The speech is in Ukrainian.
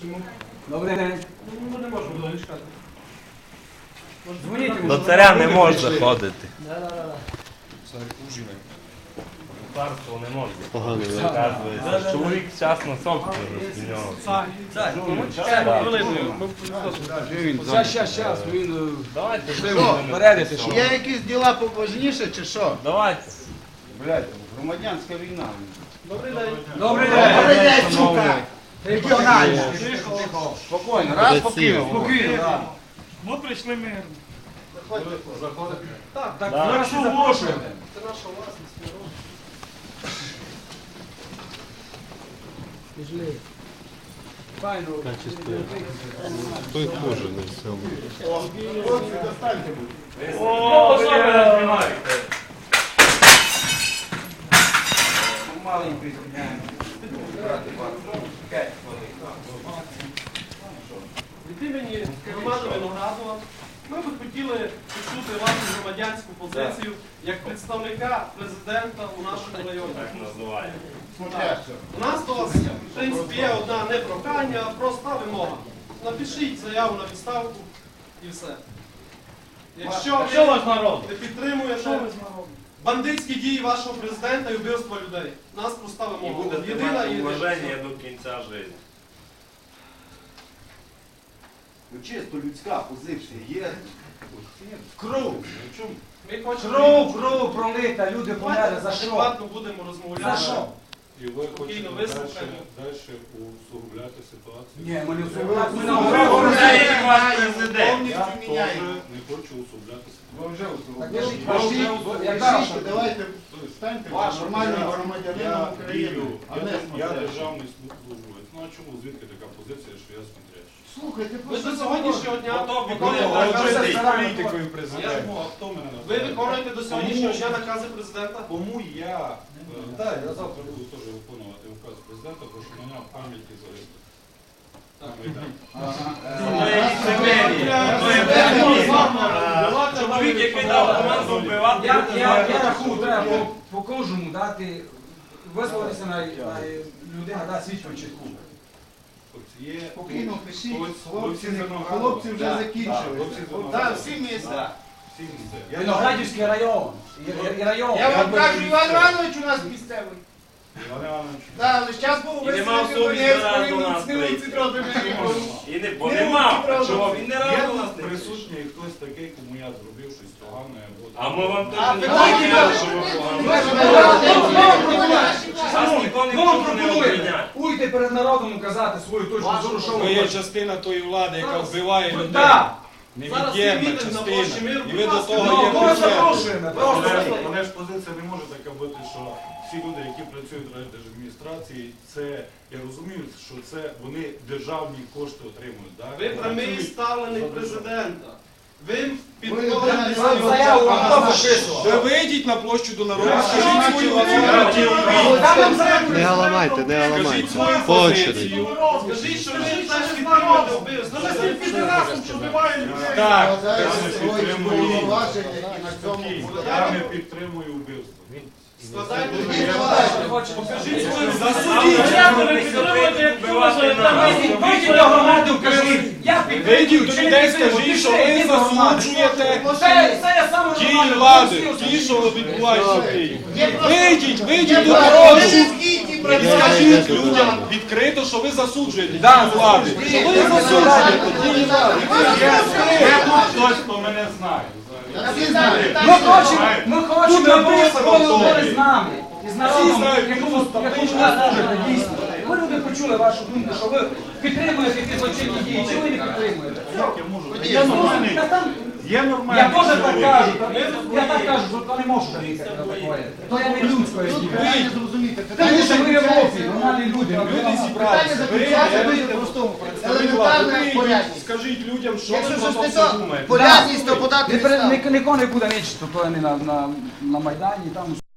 Добрий день. Ну не можемо довго чекати. Дзвоніть йому. До царя не можна заходити. Царство не можна. Оказується. Чоловік частно собственно з нього. Щас, він Давайте. передайте, що. Є якісь діла побожніше чи що? Давайте. Блядь, громадянська війна. Добрий день. Добрий Добрий день. день, сука! Регіональний. Спокійно, раз покинув. Спокійно, так. Ми прийшли мирно. Так, Так, Да. ми вас і запрошуємо. це наша власність, народ. Файно. Той хуже на всьому. Хлопці, достаньте, будь. О, що ви знімаєте? Маленький зняємо. Від імені громади Виноградова ми б хотіли почути вашу громадянську позицію як представника президента у нашому районі. Так називаємо. Смотрящого. У нас до вас, в принципі, є одна не прохання, а проста вимога. Напишіть заяву на відставку і все. Якщо ви не підтримуєте бандитські дії вашого президента і вбивства людей, у нас проста І вимога. будете Єдина мати і уваження до кінця життя. Ну чисто людська позиція є. Кров. Ми хочемо Кров пролита, люди померли. За що? адекватно будемо розмовляти. За що? І ви Спокійно хочете вислухаємо. далі усугубляти ситуацію? Ні, ми не Ми усугубляємо. Це як ваш президент. Повністю Я теж міняємо. не хочу усугубляти ситуацію. Ви вже Яка давайте станьте нормальним громадянином України, а не Я смотрящим. державний службовець. Ну а чому, звідки така позиція, що я смотрящий? Слухайте, Ви до сьогоднішнього дня Виконуєте політикою президента. А хто мене Ви називає? виконуєте до сьогоднішнього дня накази президента? Кому я завтра буду теж виконувати указ президента, про що мене в пам'яті залишити. Чоловік, який дав команду вбивати, Я рахую, треба по кожному дати, висловитися на людина, дати свідчу чітку. Є Спокійно пишіть, хлопці хлопці вже закінчили. Так, всі всі місця. місця. Виноградівський район. І район. Я вам кажу, Іван Іванович у нас місцевий. Іван Іванович. Так, але зараз був І нема в собі зараз до нас прийти. І не, бо нема. А чого? Він не Є рад у у нас нас не присутній хтось такий, кому я зробив щось погане або... А ми вам А теж не питання кажемо, є. що ви погано. Вам Ніхто не пропонує обвиняє. уйти перед народом казати свою точку зору, що Ви ви є хочете. частина тої влади, яка вбиває людей. Так. Зараз є Невід'ємна мітинг на площі частина. Миру. І ви Будь до ласка, того Ну, є ми причетні. запрошуємо. Просто. Але ж позиція не може така бути, що всі люди, які працюють в райдержадміністрації, це, я розумію, що це вони державні кошти отримують. Да? Ви прямий ставленик президента. Ви Вам підходите заяву хто підписував? Ви вийдіть на площу до народу, скажіть свою Не галамайте, не галамайте. По очереді. Скажіть, що ви теж підтримуєте вбивство. Ну, ви підрасом, що вбиває людей. Так. Я не підтримую вбивство. Складайте Покажіть свою Вбивати до громади, кажіть. Я Вийдіть до людей, скажіть, що ви засуджуєте Це я саме дії влади, ті, що відбуваються в Києві. Вийдіть до народу і скажіть людям відкрито, що ви засуджуєте дії влади. Що ви засуджуєте дії влади. Хтось, хто мене знає. Ми хочемо, аби ви говорили з нами. І з народом, якому ви служите, дійсно. Ми люди почули вашу думку, що ви підтримуєте ті злочинні дії, чи ви не підтримуєте? Як я можу? Є нормальний. Є Я нормальний. теж так кажу, я так кажу, що то не можу приїхати на таке. То я не людською дію. Тому що ми в Європі, нормальні люди. Люди зібралися. Ви простому представник влади. Вийдіть, скажіть людям, що ви про то все думаєте. Порядність, то подати Нікого не буде нічого, то не на Майдані, там